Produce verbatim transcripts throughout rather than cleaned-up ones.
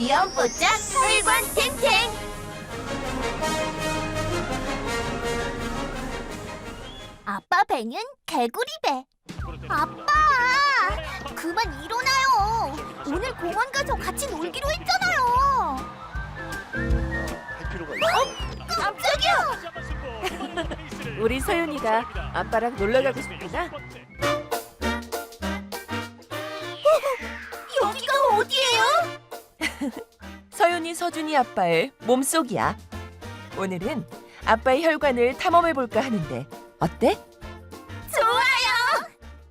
귀염뽀짝 혈관 탱탱. 아빠 배는 개구리 배. 아빠, 그만 일어나요. 오늘 공원 가서 같이 놀기로 했잖아요. 할 필요가 있어. 깜짝이야. 우리 서윤이가 아빠랑 놀러 가고 싶구나. 여기가 어디예요? 서윤이 서준이 아빠의 몸속이야. 오늘은 아빠의 혈관을 탐험해 볼까 하는데 어때? 좋아요.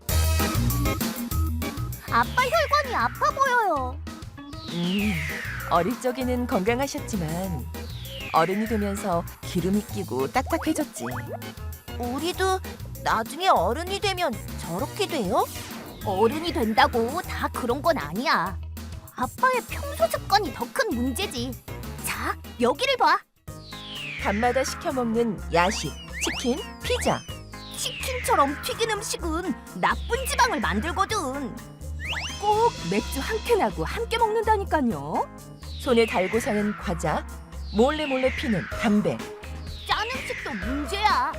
아빠 혈관이 아파 보여요. 음, 어릴 적에는 건강하셨지만 어른이 되면서 기름이 끼고 딱딱해졌지. 우리도 나중에 어른이 되면 저렇게 돼요? 어른이 된다고 다 그런 건 아니야. 아빠의 평소 습관이 더 큰 문제지. 자, 여기를 봐. 밤마다 시켜 먹는 야식, 치킨, 피자. 치킨처럼 튀긴 음식은 나쁜 지방을 만들거든. 꼭 맥주 한 캔하고 함께 먹는다니까요. 손에 달고 사는 과자, 몰래 몰래 피는 담배. 짠 음식도 문제야.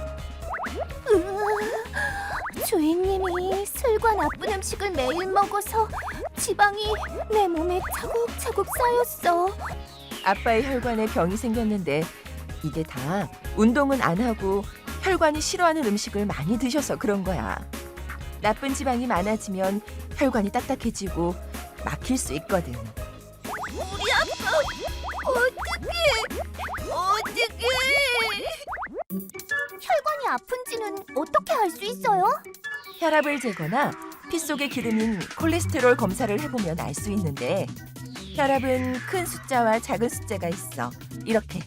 으, 주인님이 술과 나쁜 음식을 매일 먹어서 지방이 내 몸에 차곡차곡 쌓였어. 아빠의 혈관에 병이 생겼는데 이게 다 운동은 안 하고 혈관이 싫어하는 음식을 많이 드셔서 그런 거야. 나쁜 지방이 많아지면 혈관이 딱딱해지고 막힐 수 있거든. 우리 아빠 어떡해 어떡해. 혈관이 아픈지는 어떻게 알 수 있어요? 혈압을 재거나 피 속의 기름인 콜레스테롤 검사를 해보면 알 수 있는데 혈압은 큰 숫자와 작은 숫자가 있어. 이렇게.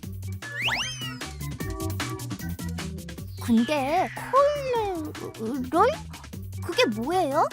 근데 콜레롤? 그게 뭐예요?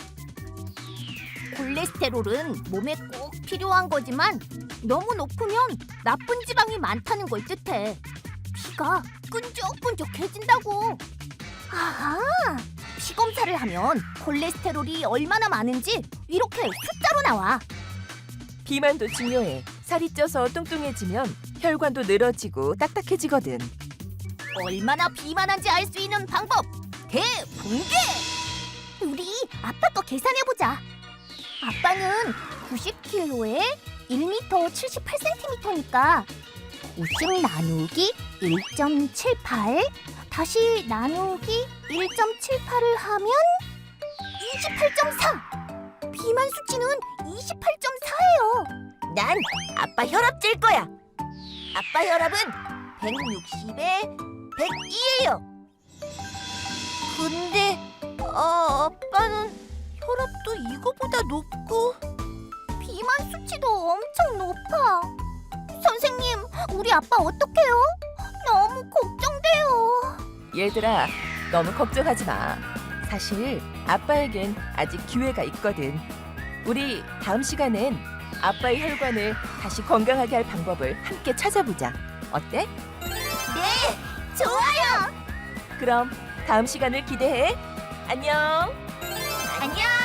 콜레스테롤은 몸에 꼭 필요한 거지만 너무 높으면 나쁜 지방이 많다는 걸 뜻해. 피가 끈적끈적해진다고. 아하! 피 검사를 하면 콜레스테롤이 얼마나 많은지 이렇게 숫자로 나와. 비만도 중요해. 살이 쪄서 뚱뚱해지면 혈관도 늘어지고 딱딱해지거든. 얼마나 비만한지 알 수 있는 방법 대공개! 우리 아빠 거 계산해보자. 아빠는 구십 킬로그램에 일 미터 칠십팔 센티미터니까 오십 나누기 일 점 칠팔 다시 나누기 일 점 칠팔을 하면 이십팔 점 사! 비만 수치는 이십팔 점 사예요. 난 아빠 혈압 잴 거야. 아빠 혈압은 백육십에 백이예요. 근데 어, 아빠는 혈압도 이거보다 높고 비만 수치도 엄청 높아. 선생님, 우리 아빠 어떡해요? 너무 걱정돼요. 얘들아, 너무 걱정하지 마. 사실 아빠에겐 아직 기회가 있거든. 우리 다음 시간엔 아빠의 혈관을 다시 건강하게 할 방법을 함께 찾아보자. 어때? 네, 좋아요. 그럼 다음 시간을 기대해. 안녕. 안녕.